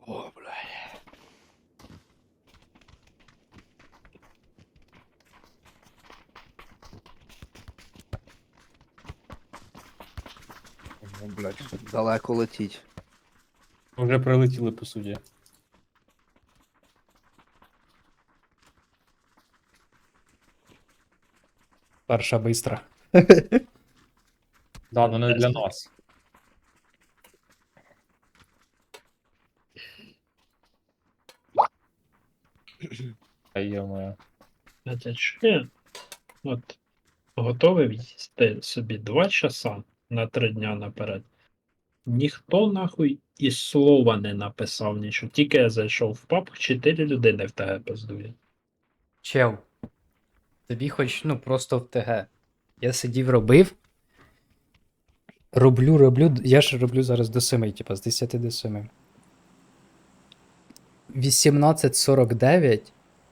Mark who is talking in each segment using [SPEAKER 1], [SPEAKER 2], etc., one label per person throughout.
[SPEAKER 1] О, блядь.
[SPEAKER 2] Ну, блядь.
[SPEAKER 1] Далеко летіть.
[SPEAKER 2] Вже прилетіли по суді.
[SPEAKER 3] Перша бистра.
[SPEAKER 2] Да, ну не для нас. Та йо-моє.
[SPEAKER 4] Хотя що? От готовий їсти собі 2 часа на 3 дня наперед. Ніхто нахуй і слова не написав нічого. Тільки я зайшов в паб, 4 людини в ТГ пиздує.
[SPEAKER 3] Чел. Тобі хоч, ну, просто в ТГ. Я сидів, робив. Роблю. Я ж роблю зараз до 7, типа, з 10 до 7. 18:49.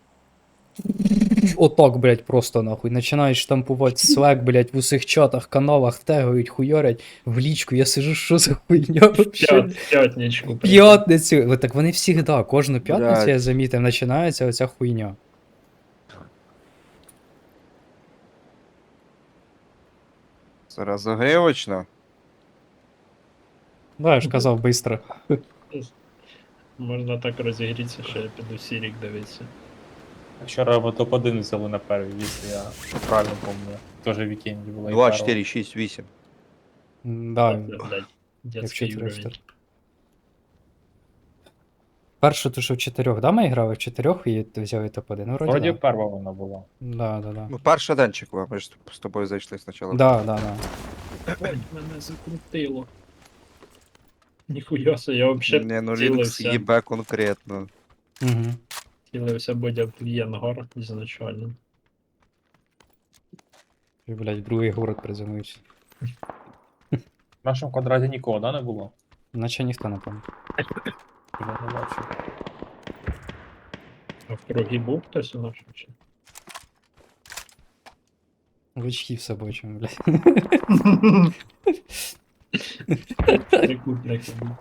[SPEAKER 3] Отак, блядь, просто нахуй. Починаєш штампувати Slack, блядь, в усіх чатах, каналах, тегають, хуйорять в лічку. Я сижу, що за хуйня вообще?
[SPEAKER 4] П'ятничку.
[SPEAKER 3] П'ятницю. От так вони завжди, кожну п'ятницю,
[SPEAKER 1] Блядь.
[SPEAKER 3] я замітив, починається оця хуйня.
[SPEAKER 1] Це розогрівочно.
[SPEAKER 3] Да, я ж казав, бистро.
[SPEAKER 4] Можна так розігрітися, що я піду Сірік дивитися.
[SPEAKER 2] Вчора ми топ-1 взяли на перший, якщо я правильно пам'ятаю. Тоже в вікенді було.
[SPEAKER 1] 2, 4, 6, 8.
[SPEAKER 3] Да,
[SPEAKER 4] Це, блядь,
[SPEAKER 3] як
[SPEAKER 4] дядський
[SPEAKER 3] 4
[SPEAKER 4] уровень.
[SPEAKER 3] Першу ту, що в 4, да, ми грали в 4 і ти взяв і топ-1? Ну, вроді,
[SPEAKER 2] Вроді
[SPEAKER 3] да.
[SPEAKER 2] перша вона була.
[SPEAKER 3] Да.
[SPEAKER 1] Ну, перший денчик, ми ж з тобою зайшли спочатку.
[SPEAKER 3] Да.
[SPEAKER 4] Ой, мене закрутило. Ніхуя се, я взагалі
[SPEAKER 1] Не, ну Linux
[SPEAKER 4] цілився.
[SPEAKER 1] їбе конкретно.
[SPEAKER 3] Угу.
[SPEAKER 4] Цілився будь в Єнгор ізначально.
[SPEAKER 3] Блять, другий город приземлився.
[SPEAKER 2] В нашому квадраті нікого, да, не було?
[SPEAKER 3] Наче ніхто не пам'ятає.
[SPEAKER 2] Я не бачу.
[SPEAKER 4] А в кругі був хтось у нашому чи?
[SPEAKER 3] В очки з собою, чому, блядь.
[SPEAKER 4] Трикутник був.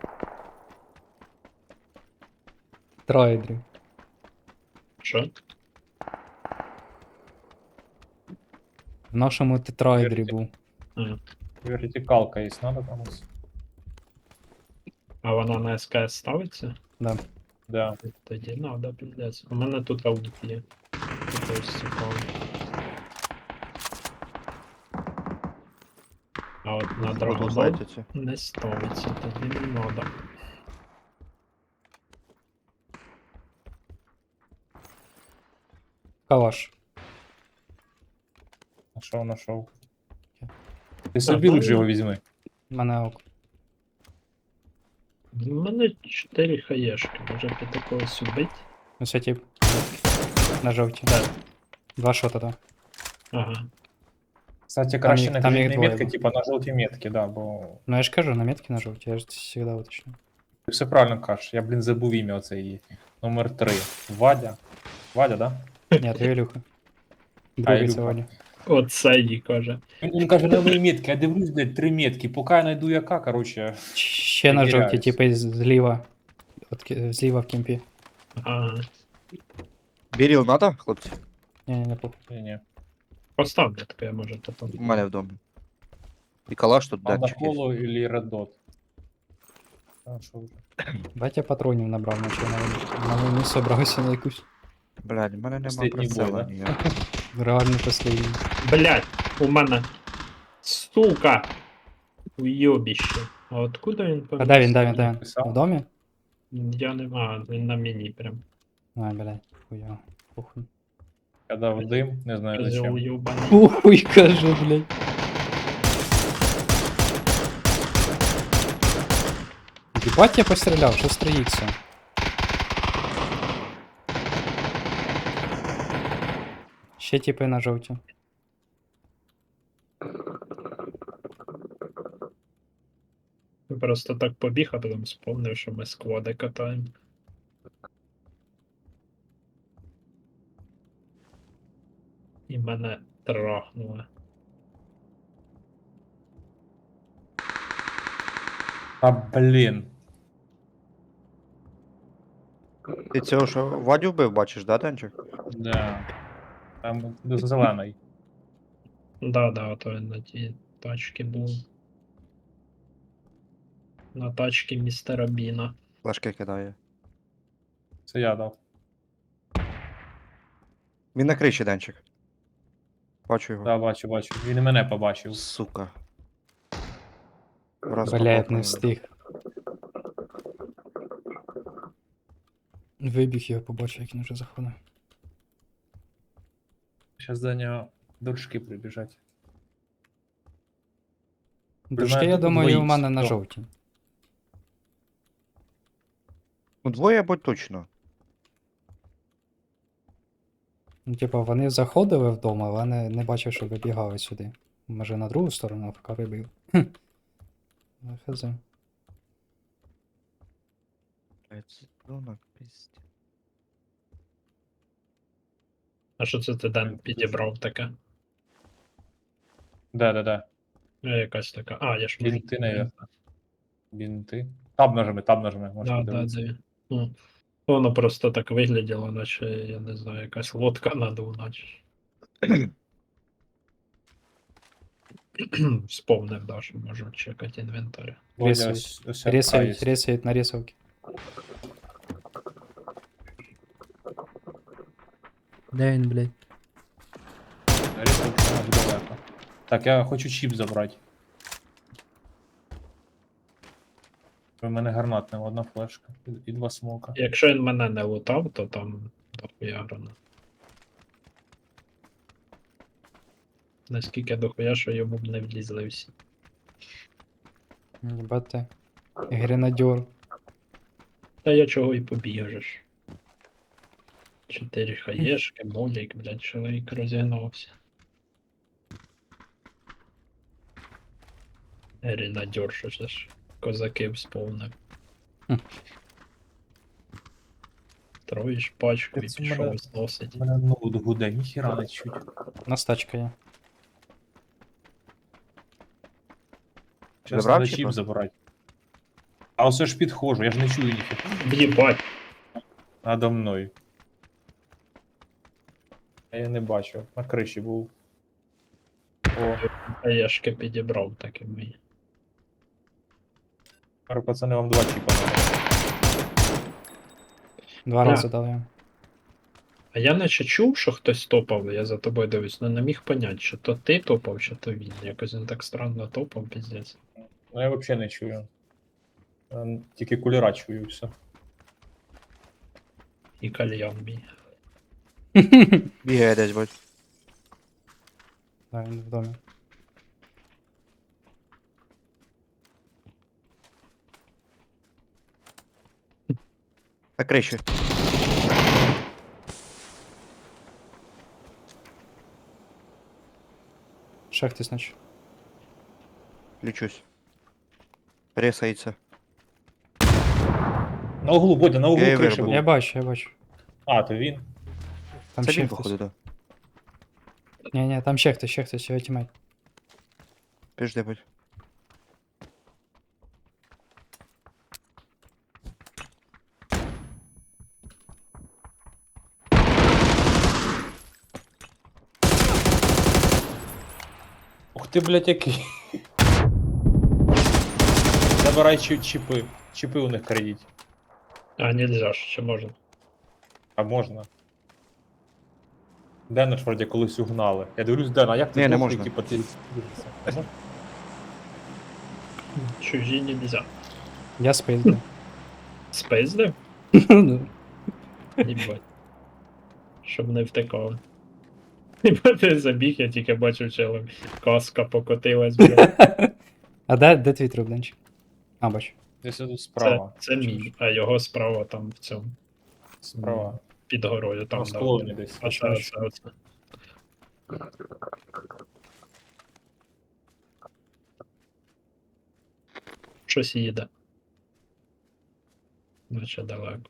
[SPEAKER 3] Трайдрі.
[SPEAKER 4] Що?
[SPEAKER 3] В нашому тетрайдрі був.
[SPEAKER 4] А,
[SPEAKER 2] Вертикалка є, надо комусь?
[SPEAKER 4] а вона на СКС ставиться?
[SPEAKER 3] Да.
[SPEAKER 2] Да.
[SPEAKER 4] Тоді надо, піздець. У мене тут аудит є. Тут ось цікаво. А от на
[SPEAKER 1] Буду
[SPEAKER 4] драгобол
[SPEAKER 1] зайняті.
[SPEAKER 4] не ставиться, тоді не надо.
[SPEAKER 3] Калаш.
[SPEAKER 2] Нашов. Ти собі
[SPEAKER 4] ну,
[SPEAKER 2] лучше його візьми.
[SPEAKER 3] У мене ок.
[SPEAKER 4] У мене 4 хаєшки, може піти когось убить?
[SPEAKER 3] Ось тип. На жовті.
[SPEAKER 4] Да.
[SPEAKER 3] 2 шота, да.
[SPEAKER 4] Ага.
[SPEAKER 2] Кстати, краще
[SPEAKER 3] їх-
[SPEAKER 2] на
[SPEAKER 3] там їх
[SPEAKER 2] білій
[SPEAKER 3] двоє
[SPEAKER 2] метки,
[SPEAKER 3] було.
[SPEAKER 2] типа на жовтій метки, да, бо
[SPEAKER 3] Ну я ж кажу, на метки на жовті, я ж завжди уточню.
[SPEAKER 2] ти все правильно кажеш. Я, блін, забув ім'я оце її. Номер 3. Вадя. Вадя, да?
[SPEAKER 3] Ні, то Ілюха. Другий
[SPEAKER 2] Ілюха.
[SPEAKER 3] сьогодні.
[SPEAKER 4] Оце їй каже.
[SPEAKER 2] Він каже, на мої метки, я дивлюсь, блядь, 3 метки. Поки я знайду яка, короче.
[SPEAKER 3] Ще на жовті,
[SPEAKER 2] Перевіряюсь.
[SPEAKER 3] типу, зліва. Зліва в кімпі.
[SPEAKER 4] Ага.
[SPEAKER 1] Біріл надо, хлопці?
[SPEAKER 3] Ні, не похуй.
[SPEAKER 2] Ні-ні.
[SPEAKER 4] Постав метку, я може потім.
[SPEAKER 1] У мене вдома. І калаш тут
[SPEAKER 2] Надо
[SPEAKER 1] денчик є.
[SPEAKER 2] холо или реддот. А, що вже?
[SPEAKER 3] Батя патронів набрав, наче на війну собрався на якусь
[SPEAKER 1] Блядь, в мене нема
[SPEAKER 2] Останній бой,
[SPEAKER 1] прицела
[SPEAKER 2] да?
[SPEAKER 1] ніякого.
[SPEAKER 3] реальну послідню.
[SPEAKER 4] Блять, у мене. Сука! Уйобіще. А откуда він
[SPEAKER 3] А де він, де він, де він?
[SPEAKER 2] Написав?
[SPEAKER 3] В домі?
[SPEAKER 4] Я не маю, він на міні прям.
[SPEAKER 3] Ай, блядь, хуя. Похуй.
[SPEAKER 2] Я дав дим, не знаю
[SPEAKER 4] Козел
[SPEAKER 2] зачем.
[SPEAKER 4] уйобаний.
[SPEAKER 3] Похуй, каже, блядь. Ебать я постріляв, що строїться? Ще типи на жовті.
[SPEAKER 4] Просто так побіг, а потім спомнив, що ми сквади катаємо. І мене трахнуло.
[SPEAKER 2] А, блін.
[SPEAKER 1] Ти цього що Вадю вбив, бачиш, да, Денчик?
[SPEAKER 2] Да. Там зелений.
[SPEAKER 4] Да, то він на тій тачці був. На тачці містера Біна.
[SPEAKER 1] Флешки кидає.
[SPEAKER 2] Це я дав.
[SPEAKER 1] Він на криші, Денчик. Бачу його.
[SPEAKER 2] Да, бачу. Він і мене побачив.
[SPEAKER 1] Сука. Раз
[SPEAKER 3] Блядь, не
[SPEAKER 1] попав.
[SPEAKER 3] встиг. Вибіг його побачив, як він вже заходив.
[SPEAKER 2] Зараз до нього дружки прибіжать.
[SPEAKER 3] Дружки,
[SPEAKER 2] мене
[SPEAKER 3] я
[SPEAKER 2] тут
[SPEAKER 3] думаю, у
[SPEAKER 2] двоїх
[SPEAKER 3] мене на
[SPEAKER 2] сто.
[SPEAKER 3] жовтій.
[SPEAKER 1] Ну, двоє або точно.
[SPEAKER 3] Ну, типа, вони заходили вдома, але не бачив, що вибігали сюди. Може на другу сторону, а поки вибив. Ну, хз.
[SPEAKER 4] А що це ти Ден підібрав таке?
[SPEAKER 2] Да.
[SPEAKER 4] Якась така. А, я ж можу.
[SPEAKER 2] Бінти, навіть. Бінти. Таб нажми, можеш
[SPEAKER 4] Да,
[SPEAKER 2] подивитися.
[SPEAKER 4] де. Ну, воно просто так вигляділо, наче, я не знаю, якась лодка надув, наче. Вспомнив, да, що можу чекати інвентар.
[SPEAKER 2] Водя,
[SPEAKER 3] Рисують.
[SPEAKER 2] ось
[SPEAKER 3] Рисують, рисують на рисовки. Де він, блядь?
[SPEAKER 2] Рисовки аж далеко. Так, я хочу чіп забрати. У мене гранатна, одна флешка і два смока.
[SPEAKER 4] Якщо він мене не лутав, то там дохуя гранат. Наскільки дохуя, що йому б не влізли всі.
[SPEAKER 3] Єбати. Гренадер.
[SPEAKER 4] Та я чого і побіжеш. 4 хаєшки, молік, блядь, чоловік розігнався. Гренадер, що це ж козаки всповнив.
[SPEAKER 3] Хм.
[SPEAKER 4] Троїш пачку і
[SPEAKER 2] Це
[SPEAKER 4] пішов
[SPEAKER 2] мене-
[SPEAKER 4] зносить.
[SPEAKER 2] У мене ноут гуде, ніхіра не чуть.
[SPEAKER 3] У нас тачка є.
[SPEAKER 2] Зараз
[SPEAKER 1] Забрав
[SPEAKER 2] треба
[SPEAKER 1] чіпа?
[SPEAKER 2] чіп забрати. А ось ж підходжу, я ж не чую ніхіра.
[SPEAKER 4] Єбать,
[SPEAKER 2] Надо мною. Я не бачу, на криші був. О,
[SPEAKER 4] хаєшки підібрав так і мої.
[SPEAKER 2] тепер, пацани, вам два чіпа надо.
[SPEAKER 3] Два
[SPEAKER 4] Так.
[SPEAKER 3] рази дали йому.
[SPEAKER 4] А я наче чув, що хтось топав, я за тобою дивлюсь, але не міг поняти, чи то ти топав, чи то він. Якось він так странно топав, піздець.
[SPEAKER 2] Ну я взагалі не чую. Тільки кулера чую і все.
[SPEAKER 4] І кальян мій.
[SPEAKER 1] Бігає десь, бать.
[SPEAKER 3] Да, він в домі.
[SPEAKER 1] На криші.
[SPEAKER 3] Ще хтось наче.
[SPEAKER 1] Лічусь. Ресається.
[SPEAKER 2] На углу, Бодя, на углу
[SPEAKER 1] Я її
[SPEAKER 2] криші
[SPEAKER 1] вирубив.
[SPEAKER 2] був.
[SPEAKER 3] Я бачу, я бачу.
[SPEAKER 2] А, то він.
[SPEAKER 3] Там
[SPEAKER 1] Це
[SPEAKER 3] ще
[SPEAKER 1] він,
[SPEAKER 3] хтось.
[SPEAKER 1] походу, да.
[SPEAKER 3] Ні, там ще хтось, його тімейт.
[SPEAKER 1] Піжди, бать.
[SPEAKER 2] Ух ти, блядь, який. Забирай чіпи. Чіпи у них крадіть.
[SPEAKER 4] А, нельзя ж, чи можна?
[SPEAKER 2] А можна. Дена ж вроді колись угнали. Я дивлюсь, Дена, а як ти
[SPEAKER 1] Ні, не
[SPEAKER 2] дохлий,
[SPEAKER 1] можна.
[SPEAKER 2] типу, ти...
[SPEAKER 4] Чужі нельзя.
[SPEAKER 3] Я спиздив.
[SPEAKER 4] Спиздив?
[SPEAKER 3] Ну,
[SPEAKER 4] Їбать. Щоб не втекали. Ніби ти забіг, я тільки бачив челом. Каска покотилась, блядь.
[SPEAKER 3] А де твій труп, Денчик? А, бачу.
[SPEAKER 2] Десь тут
[SPEAKER 4] Це,
[SPEAKER 2] справа.
[SPEAKER 4] це мій, а його справа там в цьому.
[SPEAKER 2] Справа.
[SPEAKER 4] Під горою
[SPEAKER 2] На
[SPEAKER 4] там.
[SPEAKER 2] склоні десь.
[SPEAKER 4] Оце. Щось їде. Наче далеко.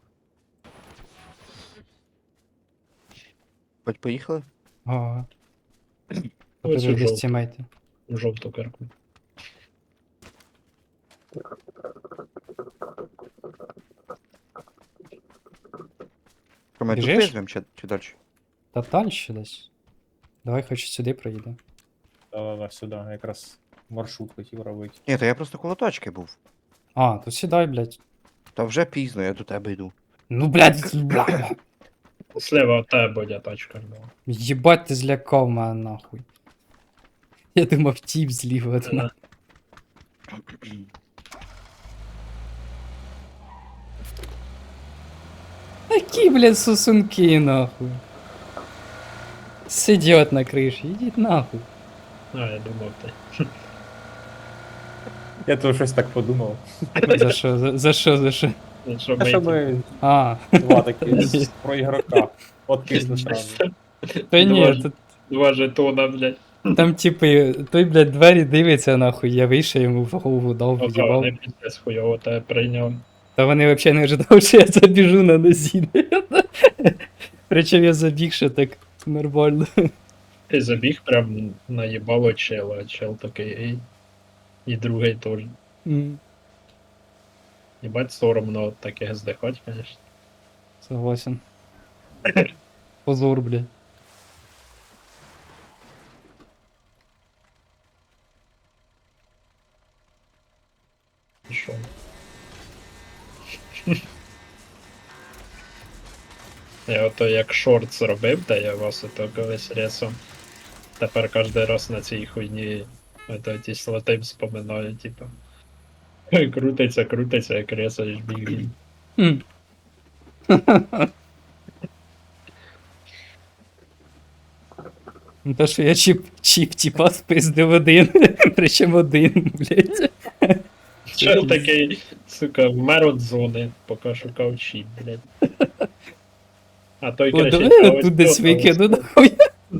[SPEAKER 1] Бать, поїхали?
[SPEAKER 3] Ага.
[SPEAKER 4] Ось
[SPEAKER 3] Тут
[SPEAKER 4] у
[SPEAKER 3] вже десь
[SPEAKER 4] жовту,
[SPEAKER 3] тімейти.
[SPEAKER 4] у жовту кирку.
[SPEAKER 1] Що, ми тут
[SPEAKER 3] Біжиш?
[SPEAKER 1] визвемо чи далі?
[SPEAKER 3] Та далі десь. Давай хоч сюди проїде.
[SPEAKER 2] Да-да-да, сюди, якраз маршрут хотів робити.
[SPEAKER 1] Ні, то я просто коло точки був.
[SPEAKER 3] А, то сідай, блядь.
[SPEAKER 1] Та вже пізно, я до тебе йду.
[SPEAKER 3] Ну, блядь, бля.
[SPEAKER 4] Слева от тебе буде тачка. була.
[SPEAKER 3] Єбать, ти злякав мене нахуй. Я думав, тіп зліва від мене. Такі, блядь, сосунки, нахуй. Сидять на криші, ідіть нахуй.
[SPEAKER 4] А, я думав ти.
[SPEAKER 2] Я то щось так подумав.
[SPEAKER 3] За що, за що, за що?
[SPEAKER 4] Ну, що
[SPEAKER 2] А що
[SPEAKER 4] ми-
[SPEAKER 2] ми
[SPEAKER 3] А,
[SPEAKER 2] два такі про ігрока. От кисну сразу.
[SPEAKER 3] та ні,
[SPEAKER 4] Два-
[SPEAKER 3] тут,
[SPEAKER 4] Два жетона, блядь.
[SPEAKER 3] там типи, той, блядь, двері дивиться нахуй, я вийшов йому в голову дав,
[SPEAKER 4] Ага,
[SPEAKER 3] в'їбав.
[SPEAKER 4] не піздець хуйово тебе прийняв.
[SPEAKER 3] Та вони взагалі не ожидали, що я забіжу на нозі. Причому я забіг ще так нормально.
[SPEAKER 4] Ти забіг прям наїбало чела, а чел такий ей. І другий теж.
[SPEAKER 3] М,
[SPEAKER 4] Єбать соромно от таких здихать, конечно.
[SPEAKER 3] Согласен. Позор, блядь.
[SPEAKER 4] І що? Я ото як шорт зробив, та я вас ото колись ресом. Тепер кожен раз на цій хуйні ото ті слоти вспоминаю, типу. Крутиться, крутиться, як ресаєш біг.
[SPEAKER 3] М. Ну, то, що я чіп типа спиздив один, причому один, блядь.
[SPEAKER 4] Чел такий, сука, вмер від зони, поки шукав чіп, блядь. А той
[SPEAKER 3] О,
[SPEAKER 4] кричить,
[SPEAKER 3] давай
[SPEAKER 4] «А
[SPEAKER 3] я
[SPEAKER 4] ось
[SPEAKER 3] тут десь
[SPEAKER 4] то,
[SPEAKER 3] викину,
[SPEAKER 4] ось
[SPEAKER 3] нахуй.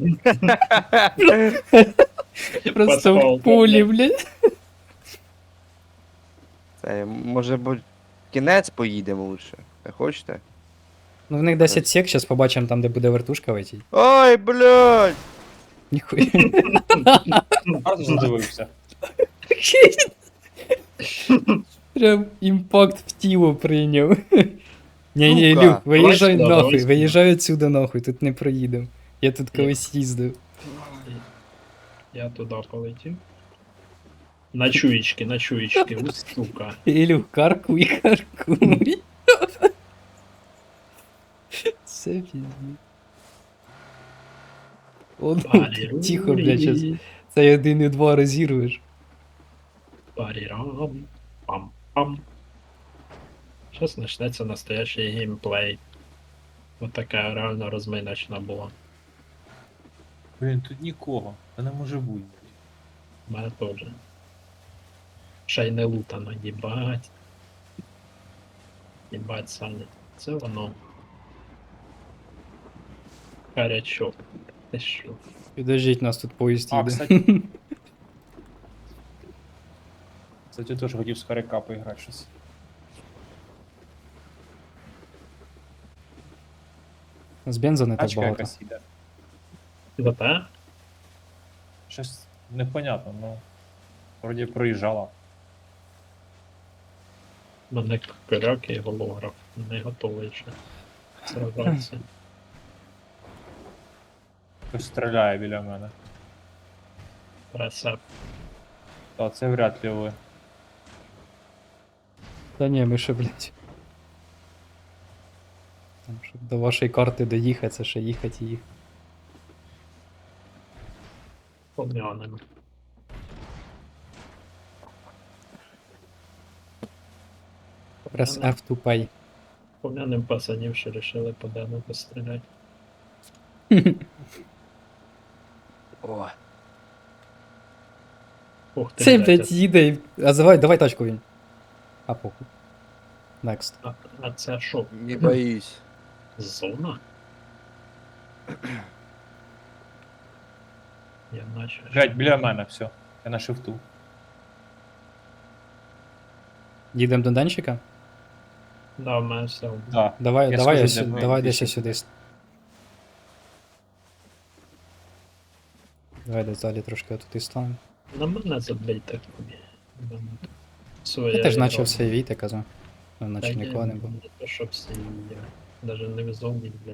[SPEAKER 4] то».
[SPEAKER 3] Просто
[SPEAKER 4] Пасхал,
[SPEAKER 3] в полі,
[SPEAKER 4] блядь.
[SPEAKER 3] блядь.
[SPEAKER 1] Це, може бути, кінець поїдемо лучше. Ви хочете?
[SPEAKER 3] Ну, в них 10 сек, зараз побачимо там, де буде вертушка летіть.
[SPEAKER 1] Ой, блядь!
[SPEAKER 3] Ніхуя.
[SPEAKER 2] Гарно задивився.
[SPEAKER 3] Прям імпакт в тіло прийняв. Ні,
[SPEAKER 1] Сука.
[SPEAKER 3] Ілюх, виїжджай
[SPEAKER 4] Давай сюди,
[SPEAKER 3] нахуй,
[SPEAKER 4] давай сюди.
[SPEAKER 3] виїжджай отсюда нахуй, тут не проїдемо. Я тут колись їздив.
[SPEAKER 4] Я туди полетів. На чуєчки, у сука.
[SPEAKER 3] Ілюх, каркуй, каркуй. Це пізні. О, ну, тихо, блядь, щас. Це 1 і 2 розірвеш.
[SPEAKER 4] Парірам. Пам-пам. Зараз почнеться настоящий геймплей. Ось така реально розминочна була.
[SPEAKER 2] Блін, тут нікого. Та не може бути.
[SPEAKER 4] У мене теж. Ще й не лутано, їбать. Їбать, Саня. Це воно. Гарячок. Ти що?
[SPEAKER 3] Підождіть, нас тут поїзд
[SPEAKER 2] А,
[SPEAKER 3] їде.
[SPEAKER 2] кстати. Кстати, теж хотів з хоряка поіграти щось.
[SPEAKER 3] З бенза не так
[SPEAKER 2] Тачка
[SPEAKER 3] багато.
[SPEAKER 2] якась іде.
[SPEAKER 4] За те?
[SPEAKER 2] Щось непонятно, ну. Вроді проїжджала.
[SPEAKER 4] Мене коряк і голограф. Не готовий ще. Сражатися.
[SPEAKER 2] Хтось стріляє біля мене.
[SPEAKER 4] Рецепт.
[SPEAKER 2] Та це вряд ли ви.
[SPEAKER 3] Та ні, ми ще, блядь. Там, щоб до вашої карти доїхати, це ще їхати і їхати.
[SPEAKER 4] Пом'янемо.
[SPEAKER 3] Press F to pay.
[SPEAKER 4] Пом'янем пацанів, що рішили по дену постріляти.
[SPEAKER 1] О,
[SPEAKER 4] Ух ти,
[SPEAKER 3] Цей,
[SPEAKER 4] блядь,
[SPEAKER 3] блядь, їде і... А давай тачку він. А похуй. Next.
[SPEAKER 4] а це що?
[SPEAKER 1] не боюсь.
[SPEAKER 4] Зона? Я наче.
[SPEAKER 2] Блять, біля мене, все. Я на шифту.
[SPEAKER 3] Їдемо до Денчика?
[SPEAKER 4] Да, в мене все.
[SPEAKER 2] Да.
[SPEAKER 3] Давай,
[SPEAKER 2] Я
[SPEAKER 3] давай,
[SPEAKER 2] схожу,
[SPEAKER 3] я
[SPEAKER 2] де
[SPEAKER 3] сюди,
[SPEAKER 2] ми
[SPEAKER 3] давай десь
[SPEAKER 2] більше
[SPEAKER 3] я сюди. Давай десь далі трошки туди станемо.
[SPEAKER 4] На мене забийте тобі.
[SPEAKER 3] Я теж почав сейвіти, казав. Ну, наче нікого не було.
[SPEAKER 4] Не то, щоб сейві. Даже не в зоні, блін.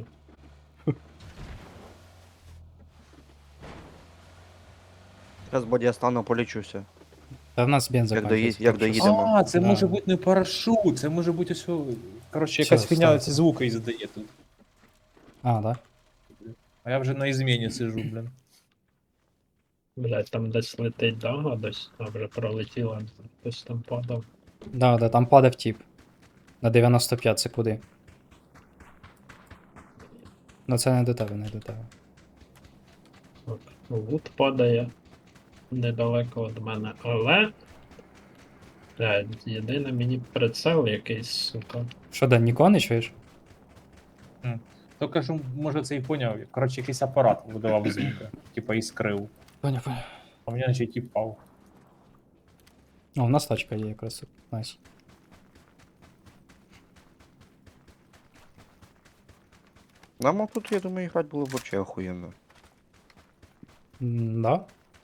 [SPEAKER 1] Зараз боді я стану, полічуся.
[SPEAKER 3] Та в нас бенза
[SPEAKER 1] Як
[SPEAKER 3] кончився,
[SPEAKER 1] як
[SPEAKER 3] так що
[SPEAKER 1] доїдемо.
[SPEAKER 2] А, це
[SPEAKER 3] Да.
[SPEAKER 2] може бути не парашут, це може бути ось. Коротше,
[SPEAKER 3] Що,
[SPEAKER 2] якась фігня
[SPEAKER 3] встати?
[SPEAKER 2] ці звуки і задає тут.
[SPEAKER 3] А, да?
[SPEAKER 2] А я вже на ізміні сижу, блін.
[SPEAKER 4] Блядь, там десь летить дага, десь, а вже пролетіла, хтось там падав.
[SPEAKER 3] Да, да, там падав тип. На 95 це куди? Ну це не до тебе, не до тебе.
[SPEAKER 4] От, Вуд падає недалеко від мене, але. Блядь, єдине мені прицел якийсь, сука.
[SPEAKER 3] Що, Ден, нікого не чуєш?
[SPEAKER 2] То кажу, може це і поняв. Коротше, якийсь апарат видавав звуки, типа іскрив.
[SPEAKER 3] Поняв, поняв.
[SPEAKER 2] А мені наче тіп впав.
[SPEAKER 3] О, у нас тачка є якраз. Найс.
[SPEAKER 1] Нам тут, я думаю, грати було б вообще охуєнно.
[SPEAKER 3] Да?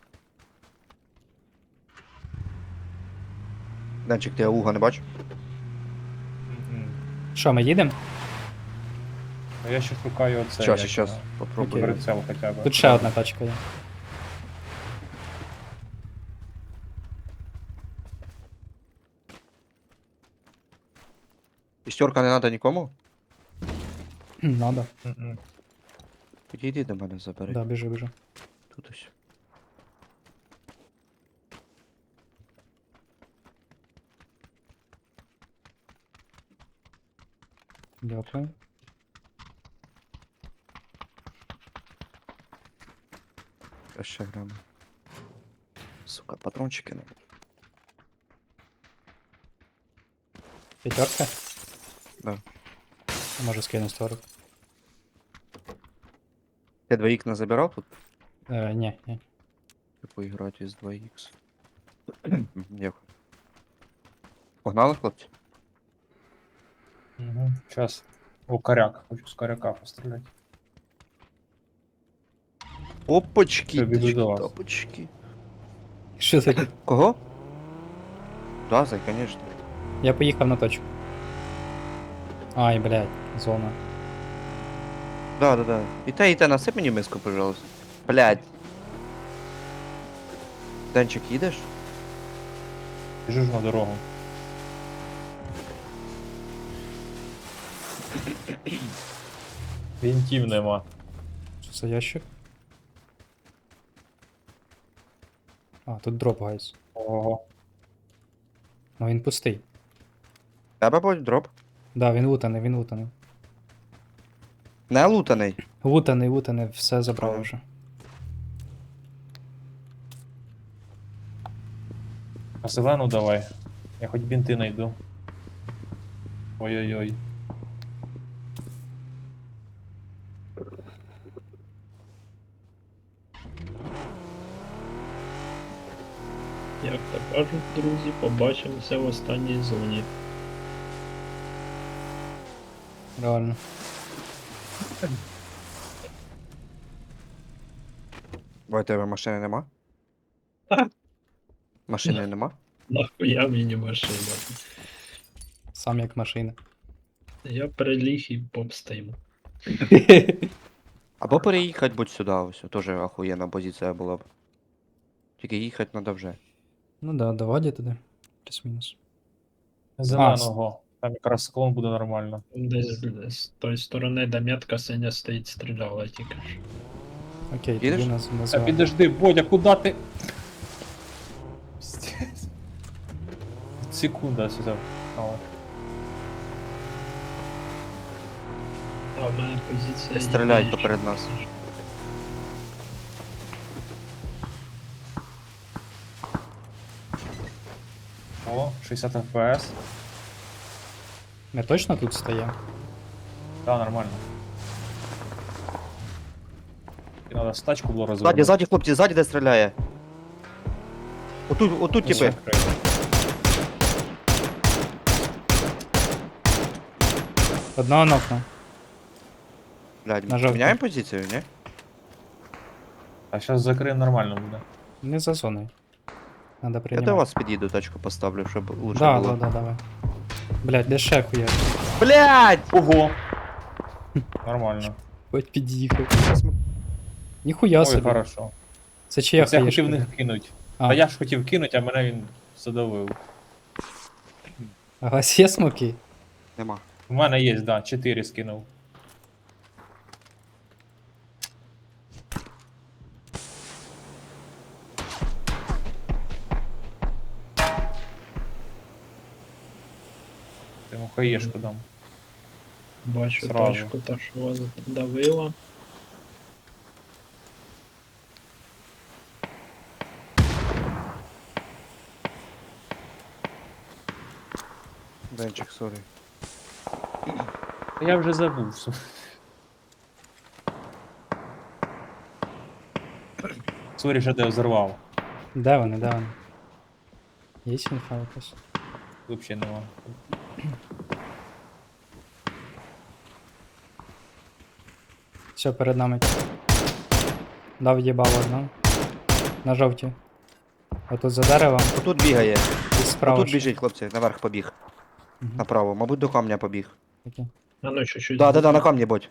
[SPEAKER 1] Денчик, ти ауга не бачив?
[SPEAKER 3] Що, ми їдемо?
[SPEAKER 2] А я ще шукаю оце.
[SPEAKER 1] Щас,
[SPEAKER 2] як
[SPEAKER 1] щас,
[SPEAKER 2] його,
[SPEAKER 1] попробую.
[SPEAKER 3] Окей.
[SPEAKER 2] прицел хоча б.
[SPEAKER 3] Тут ще одна тачка є.
[SPEAKER 1] Пістерка не треба нікому?
[SPEAKER 3] Надо.
[SPEAKER 2] Мгм.
[SPEAKER 1] Підійди до мене, забери.
[SPEAKER 3] Да, біжи, біжи.
[SPEAKER 1] Тут ось.
[SPEAKER 3] Дякую.
[SPEAKER 1] Я ще грану. Сука, патрончики надо.
[SPEAKER 3] П'ятерка?
[SPEAKER 1] Да.
[SPEAKER 3] Може скину 40.
[SPEAKER 1] Ти 2х не забирав тут?
[SPEAKER 3] Ні, ні.
[SPEAKER 1] Поіграти із 2х. Дякую. Погнали, хлопці?
[SPEAKER 2] Мгм. Щас. О, коряк. Хочу з коряка постріляти.
[SPEAKER 1] Опачки,
[SPEAKER 2] Все, біду до вас.
[SPEAKER 1] топочки.
[SPEAKER 3] Що таке?
[SPEAKER 1] Кого? Да, зай, конечно.
[SPEAKER 3] Я поїхав на точку. Ай, блядь, зона.
[SPEAKER 1] Да. І те, насип мені миску, пожалуйста. Блядь. Денчик, їдеш?
[SPEAKER 2] Біжу ж на дорогу. Вінтів нема.
[SPEAKER 3] Що це ящик? А, тут дроп, гайс.
[SPEAKER 2] Ого.
[SPEAKER 3] Ну він пустий.
[SPEAKER 1] Тебе будь дроп.
[SPEAKER 3] Да, він лутаний, він лутаний.
[SPEAKER 1] Не лутаний.
[SPEAKER 3] Лутаний, лутаний, все забрали вже.
[SPEAKER 2] А зелену давай. Я хоч бінти найду. Ой-ой-ой.
[SPEAKER 4] Як то кажуть, друзі, побачимося в останній зоні.
[SPEAKER 3] Реально.
[SPEAKER 1] Бо у тебе машини нема?
[SPEAKER 4] Так.
[SPEAKER 1] Машини нема?
[SPEAKER 4] Нахуя мені машина?
[SPEAKER 3] Сам як машина.
[SPEAKER 4] Я приліг і попстим.
[SPEAKER 1] Або переїхати будь сюди, ось. Тоже охуєнна позиція була б. Тільки їхати треба вже.
[SPEAKER 3] Ну да, давай туди. Плюс-мінус.
[SPEAKER 2] Зеленого. Там якраз склон буде нормально.
[SPEAKER 4] Десь з тої сторони, де метка синя стоїть, стріляла тільки ж.
[SPEAKER 3] Окей,
[SPEAKER 1] Їдеш?
[SPEAKER 3] тоді нас
[SPEAKER 2] Та
[SPEAKER 3] називаємо.
[SPEAKER 2] підожди, Бодя, куди ти? Пиздец. Секунда сюди. О.
[SPEAKER 4] А в мене позиція.
[SPEAKER 1] Стріляють
[SPEAKER 4] є,
[SPEAKER 1] поперед нас.
[SPEAKER 2] О, 60 FPS.
[SPEAKER 3] Ми точно тут стоїмо?
[SPEAKER 2] Да, нормально. І надо стачку було розвернути.
[SPEAKER 1] Ззаді, хлопці, ззаді де стріляє. Отут
[SPEAKER 2] Все,
[SPEAKER 1] типи.
[SPEAKER 2] крив.
[SPEAKER 3] Одного нокну.
[SPEAKER 1] Блядь,
[SPEAKER 3] На жовтий.
[SPEAKER 1] міняємо позицію, ні?
[SPEAKER 2] А зараз закриємо нормально буде.
[SPEAKER 3] Не за зоною. Надо
[SPEAKER 1] Я
[SPEAKER 3] прийняти.
[SPEAKER 1] до вас під'їду, тачку поставлю, щоб лучше
[SPEAKER 3] Да,
[SPEAKER 1] було.
[SPEAKER 3] да, давай. Блядь, де ще хуя?
[SPEAKER 1] Блядь!
[SPEAKER 2] Ого! Нормально.
[SPEAKER 3] Хоч під'їхав. Ніхуя
[SPEAKER 2] Ой,
[SPEAKER 3] собі.
[SPEAKER 2] хорошо.
[SPEAKER 3] Це чия
[SPEAKER 2] Це я
[SPEAKER 3] хаєшка?
[SPEAKER 2] хотів в них кинуть.
[SPEAKER 3] А.
[SPEAKER 2] Та я ж хотів кинуть, а мене він задавив.
[SPEAKER 3] А у вас є смоки?
[SPEAKER 1] Нема.
[SPEAKER 2] У мене є, да, 4 скинув. Ти йому хаєшку дам.
[SPEAKER 4] Бачу
[SPEAKER 2] Сразу.
[SPEAKER 4] тачку, та що вас давила.
[SPEAKER 1] Денчик, сорі.
[SPEAKER 2] Та я вже забув. Сорі, що ти взорвав.
[SPEAKER 3] Де вони, де вони? Є інфа якась?
[SPEAKER 2] Взагалі нема.
[SPEAKER 3] Все, перед нами. Дав їбав одного. На жовті. Отут за деревом
[SPEAKER 1] Отут бігає.
[SPEAKER 3] і справа.
[SPEAKER 1] Отут
[SPEAKER 3] ще.
[SPEAKER 1] біжить, хлопці, наверх побіг.
[SPEAKER 3] Мгм.
[SPEAKER 1] Направо. Мабуть, до камня побіг.
[SPEAKER 3] Окей.
[SPEAKER 4] А ну чуть-чуть.
[SPEAKER 1] Да, на камні будь.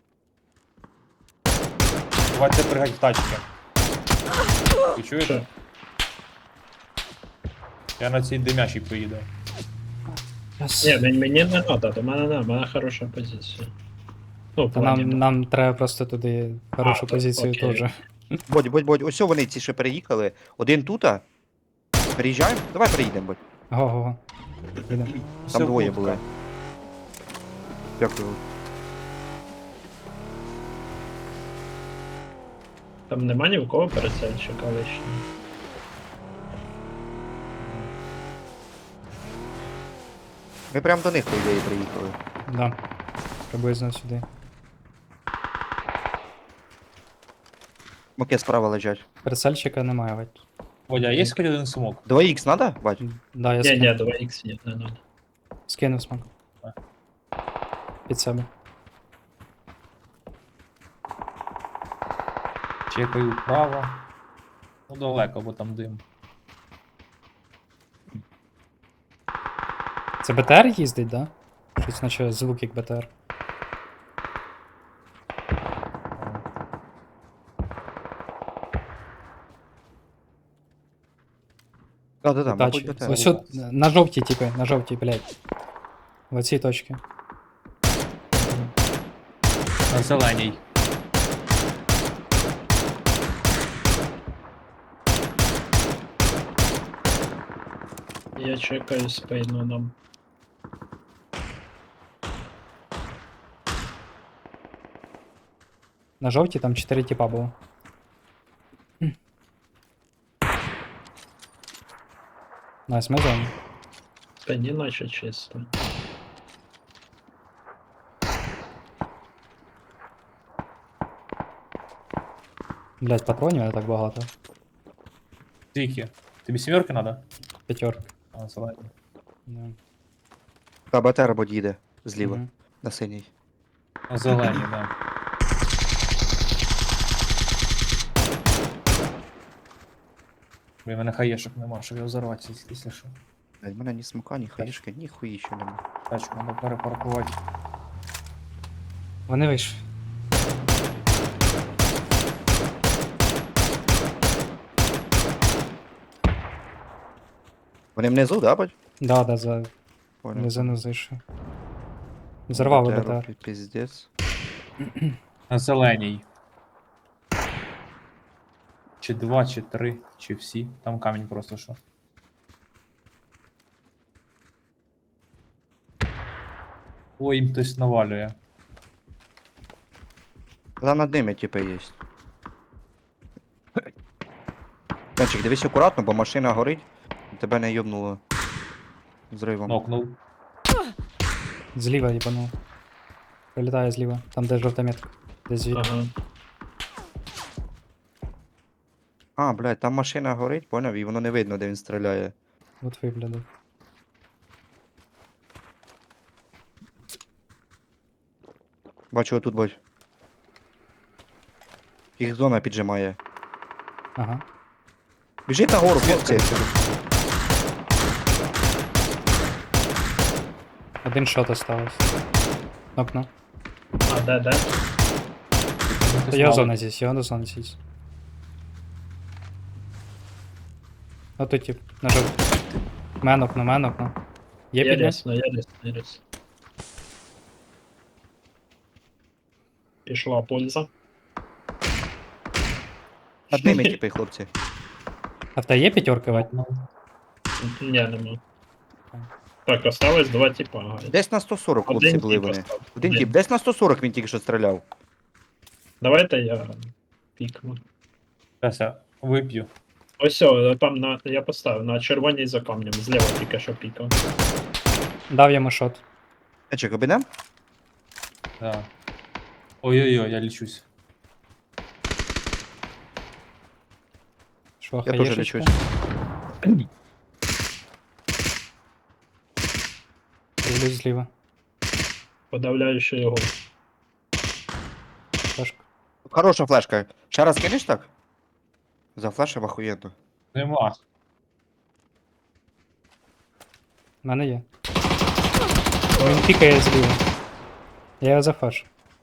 [SPEAKER 2] Давайте пригать в тачки. Ви чуєте?
[SPEAKER 4] Що?
[SPEAKER 2] Я на цій димящій поїду.
[SPEAKER 3] Раз.
[SPEAKER 4] Ні, мені не треба, до мене не, в мене хороша позиція. Ну, в
[SPEAKER 3] Та
[SPEAKER 4] плані,
[SPEAKER 3] нам треба просто туди хорошу
[SPEAKER 4] то
[SPEAKER 3] позицію
[SPEAKER 4] окей.
[SPEAKER 3] теж.
[SPEAKER 1] Будь. Ось вони ці ще переїхали. Один тута. Переїжджаємо? Давай переїдемо, будь.
[SPEAKER 3] Го-го-го. Їдемо.
[SPEAKER 1] Там
[SPEAKER 2] Все,
[SPEAKER 1] двоє
[SPEAKER 2] куртка.
[SPEAKER 1] були. Дякую.
[SPEAKER 4] Там нема ні в кого пересельчика лишнього.
[SPEAKER 1] Ми прямо до них, по ідеї, приїхали.
[SPEAKER 3] Да. Приблизно сюди.
[SPEAKER 1] Моки справа лежать.
[SPEAKER 3] Пересельчика немає, бать.
[SPEAKER 2] Водя, є хоч один смок?
[SPEAKER 1] 2х надо, бать?
[SPEAKER 3] Да, я
[SPEAKER 4] Ні,
[SPEAKER 3] скинув.
[SPEAKER 4] ні, 2х ні, не надо.
[SPEAKER 3] Скинув смак.
[SPEAKER 2] А.
[SPEAKER 3] Під себе.
[SPEAKER 2] Чекаю вправо. Ну далеко, бо там дим.
[SPEAKER 3] Це БТР їздить, да? Щось наче звук як БТР.
[SPEAKER 1] Да, мабуть,
[SPEAKER 3] Тачі.
[SPEAKER 1] до тебе.
[SPEAKER 3] Ось от, на жовтій, типи, на жовтій, блядь. В оцій точці.
[SPEAKER 2] На зеленій.
[SPEAKER 4] Я чекаю спину нам.
[SPEAKER 3] На жовтій там 4 типа було. Найс, ми зоні.
[SPEAKER 4] Спині наче чисто.
[SPEAKER 3] Блядь, патронів не так багато.
[SPEAKER 2] Скільки? Тобі сімерки треба?
[SPEAKER 3] П'ятерка.
[SPEAKER 2] А, зелені.
[SPEAKER 3] Да.
[SPEAKER 1] Та БТР будь їде. Зліва.
[SPEAKER 3] Мгм.
[SPEAKER 1] На синій.
[SPEAKER 2] На зелені, да. Блін, в мене хаєшок нема, щоб його взорвати, якщо що.
[SPEAKER 1] Блядь, в мене ні смока, ні хаїшки, ні хуї ще нема.
[SPEAKER 2] Тачку треба перепаркувати.
[SPEAKER 3] Вони вийшли.
[SPEAKER 1] Вони внизу, да, бать?
[SPEAKER 3] Да, за
[SPEAKER 1] Понял.
[SPEAKER 3] низину зайшов. Взорвав
[SPEAKER 1] БТР,
[SPEAKER 3] БТР.
[SPEAKER 1] Піздець.
[SPEAKER 2] На зеленій. Чи 2, чи 3, чи всі. Там камінь просто що. Ой, їм хтось навалює.
[SPEAKER 1] Там над ними, типа, є. Денчик, дивись акуратно, бо машина горить, і тебе не йобнуло зривом.
[SPEAKER 2] Нокнув.
[SPEAKER 3] Зліва їбанув. Прилітає зліва. Там де жовта метка. Десь звідти.
[SPEAKER 4] Ага.
[SPEAKER 1] А, блядь, там машина горить, поняв, і воно не видно, де він стріляє.
[SPEAKER 3] От виглядав.
[SPEAKER 1] Бачу, отут бать. Їх зона піджимає.
[SPEAKER 3] Ага.
[SPEAKER 1] Біжить нагору, хлопці.
[SPEAKER 3] Один шот осталось. Нокну.
[SPEAKER 4] А де?
[SPEAKER 3] Його зона здесь, його зона здесь. Ото тип, нажав. Мен окно. Є
[SPEAKER 4] Я
[SPEAKER 3] підняв?
[SPEAKER 4] рясно, я рясно. Пішла польза.
[SPEAKER 1] Над ними типи, хлопці.
[SPEAKER 3] А в тебе є п'ятерка, Вать?
[SPEAKER 4] Ні, нема. Так, осталось два типа. Ага.
[SPEAKER 1] Десь на 140 хлопці
[SPEAKER 4] Один
[SPEAKER 1] були
[SPEAKER 4] тип
[SPEAKER 1] вони.
[SPEAKER 4] остав.
[SPEAKER 1] Один тип, десь на 140 він тільки що стріляв.
[SPEAKER 4] Давайте я пікну.
[SPEAKER 2] Зараз я вип'ю.
[SPEAKER 4] Ось, о, там я поставив на червоній за камнем, зліва тільки що пікав.
[SPEAKER 3] Дав йому шот.
[SPEAKER 1] Ечек, обійдем?
[SPEAKER 2] Да. Ой-ой-ой, я лічусь.
[SPEAKER 3] Шваха
[SPEAKER 1] Я теж
[SPEAKER 3] єшечка.
[SPEAKER 1] лічусь.
[SPEAKER 3] Дивлюсь зліва.
[SPEAKER 4] Подавляючи його.
[SPEAKER 3] Флешка.
[SPEAKER 1] Хороша флешка. Ще раз кинеш так? За флешем охуєнно.
[SPEAKER 2] Нема.
[SPEAKER 3] У мене є. Він пікає зліва. Я його зафашу.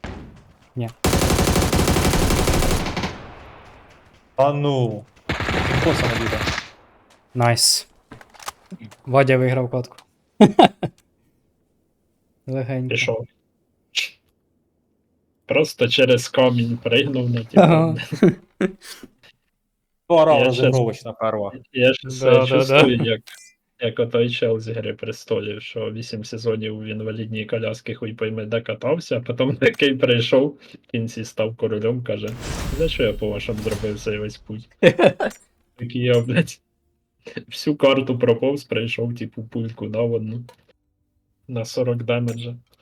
[SPEAKER 2] А ну. Інфоса не буде.
[SPEAKER 3] Найс. Вадя виграв катку. Легенько.
[SPEAKER 4] Пішов. Просто через камінь пригнув на
[SPEAKER 3] Ага.
[SPEAKER 2] Пора
[SPEAKER 4] Я
[SPEAKER 2] розігровочна перва.
[SPEAKER 4] Я ж
[SPEAKER 3] Да,
[SPEAKER 4] все
[SPEAKER 3] да,
[SPEAKER 4] чувствую, як отой чел з Гри престолів, що 8 сезонів в інвалідній коляски хуй пойме де катався, а потім такий прийшов, в кінці став королем, каже, за що я по-вашому зробив цей весь путь? Такий я, блядь, всю карту проповз, прийшов, типу, пульку дав одну. На 40 демеджа.